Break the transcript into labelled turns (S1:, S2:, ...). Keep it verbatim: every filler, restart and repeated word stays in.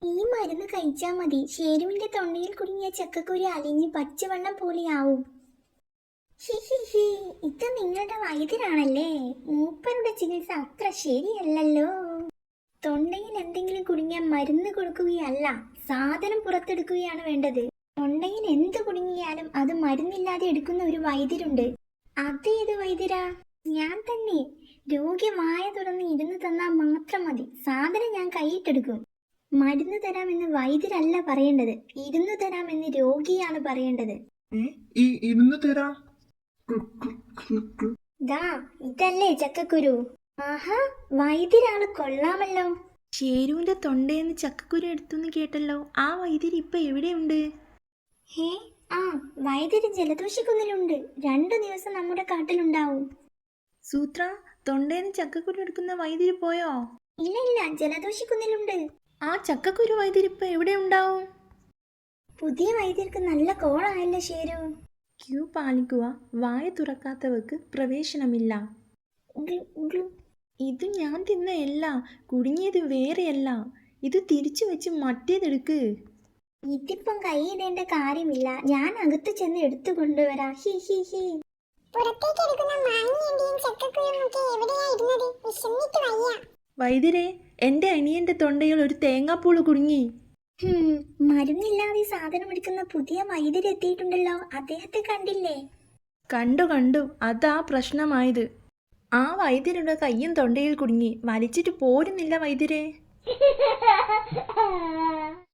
S1: ഈ മരുന്ന് കഴിച്ചാ മതി. ഷേരുവിന്റെ തൊണ്ടയിൽ കുടുങ്ങിയ ചക്കക്കുരു അലിഞ്ഞ് പച്ചവെള്ളം പോലെയാവും. ഹിഹിഹി, ഇത് നിങ്ങളുടെ വൈദ്യരാണല്ലേ? മൂപ്പരുടെ ചികിത്സ അത്ര ശരിയല്ലല്ലോ. തൊണ്ടയിൽ എന്തെങ്കിലും കുടുങ്ങിയാൽ മരുന്ന് കൊടുക്കുകയല്ല, സാധനം പുറത്തെടുക്കുകയാണ് വേണ്ടത്. തൊണ്ടയിൽ എന്ത് കുടുങ്ങിയാലും അത് മരുന്നില്ലാതെ എടുക്കുന്ന ഒരു വൈദ്യരുണ്ട്. അതേത് വൈദ്യരാ? ഞാൻ തന്നെ. രോഗി വായ തുറന്ന് ഇരുന്ന് തന്നാൽ മാത്രം മതി, സാധനം ഞാൻ കൈയിട്ടെടുക്കും. മരുന്ന് തരാമെന്ന് വൈദ്യരല്ല പറയേണ്ടത്, ഇരുന്ന് തരാമെന്ന് രോഗിയാണ് പറയേണ്ടത്.
S2: ഇരുന്ന് തരാം.
S1: ദാ ഇതല്ലേ ചക്കക്കുരു. ആഹാ, വൈദ്യരാള് കൊള്ളാമല്ലോ.
S3: ഷേരുവിന്റെ തൊണ്ടയെന്ന് ചക്കക്കുരു എടുത്തുന്ന് കേട്ടല്ലോ. ആ വൈദ്യർ ഇപ്പൊ എവിടെയുണ്ട്?
S1: ഹേ, ആ വൈദ്യര് ജലദോഷിക്കുന്നിലുണ്ട്. രണ്ടു ദിവസം നമ്മുടെ കാട്ടിലുണ്ടാവും.
S3: സൂത്ര, തൊണ്ടയെന്ന് ചക്കക്കുരു എടുക്കുന്ന വൈദ്യര് പോയോ?
S1: ഇല്ല ഇല്ല, ജലദോഷിക്കുന്നിലുണ്ട്.
S3: ആ ചക്കക്കുരു വൈദ്യർ ഇപ്പൊ എവിടെ ഉണ്ടാവും?
S1: പുതിയ വൈദ്യർക്ക് നല്ല കോളായല്ലോ ഷേരു.
S3: ക്യൂ പാലിക്കുക. വായ തുറക്കാത്തവർക്ക് പ്രവേശനമില്ല. ഇത് ഞാൻ തിന്ന അല്ല, കുടുങ്ങിയത് വേറെയല്ല. ഇത് തിരിച്ചു വെച്ച് മറ്റേതെടുക്ക്.
S1: ഇതിപ്പം കൈയിടേണ്ട കാര്യമില്ല, ഞാൻ അകത്ത് ചെന്ന് എടുത്തു കൊണ്ടുവരാ. ഹി ഹി ഹി.
S3: വൈദ്യരെ, എന്റെ അനിയന്റെ തൊണ്ടയിൽ ഒരു തേങ്ങാപ്പൂള് കുടുങ്ങി.
S1: മരുന്നില്ലാതെ സാധനം എടുക്കുന്ന പുതിയ വൈദ്യർ എത്തിയിട്ടുണ്ടല്ലോ, അദ്ദേഹത്തെ കണ്ടില്ലേ?
S3: കണ്ടു കണ്ടു, അതാ പ്രശ്നമായത്. ആ വൈദ്യരുടെ കയ്യും തൊണ്ടയിൽ കുടുങ്ങി, വലിച്ചിട്ട് പോരുന്നില്ല വൈദ്യരെ.